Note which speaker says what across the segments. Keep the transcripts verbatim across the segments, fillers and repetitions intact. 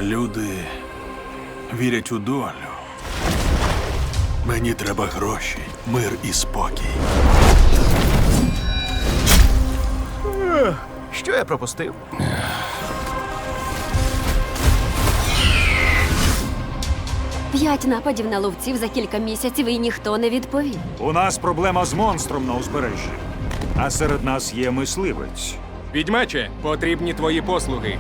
Speaker 1: Люди вірять у долю. Мені треба гроші, мир і спокій.
Speaker 2: Що я пропустив?
Speaker 3: П'ять нападів на ловців за кілька місяців і ніхто не відповів.
Speaker 4: У нас проблема з монстром на узбережжі. А серед нас є мисливець.
Speaker 5: Відьмаче, потрібні твої послуги.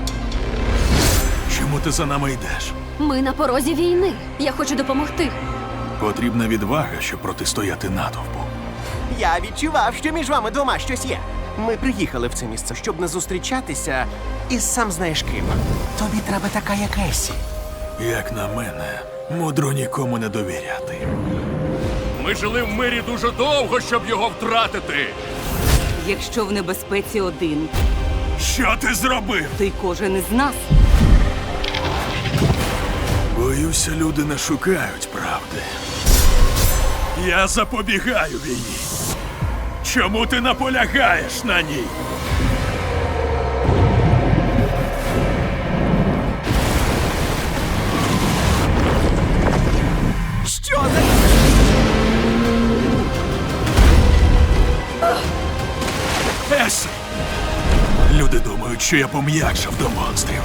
Speaker 1: Чому ти за нами йдеш?
Speaker 3: Ми на порозі війни. Я хочу допомогти.
Speaker 1: Потрібна відвага, щоб протистояти натовпу.
Speaker 2: Я відчував, що між вами двома щось є. Ми приїхали в це місце, щоб не зустрічатися із сам знаєш ким. Тобі треба така, як Есі.
Speaker 1: Як на мене, мудро нікому не довіряти.
Speaker 6: Ми жили в мирі дуже довго, щоб його втратити.
Speaker 7: Якщо в небезпеці один,
Speaker 1: Що ти зробив?
Speaker 7: то й кожен із нас.
Speaker 1: Боюся, люди не шукають правди. Я запобігаю війні. Чому ти наполягаєш на ній?
Speaker 2: Що за...
Speaker 1: Есі! Люди думають, що я пом'якшав до монстрів.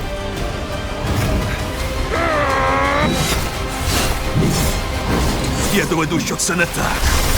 Speaker 1: Я доведу, що це не так.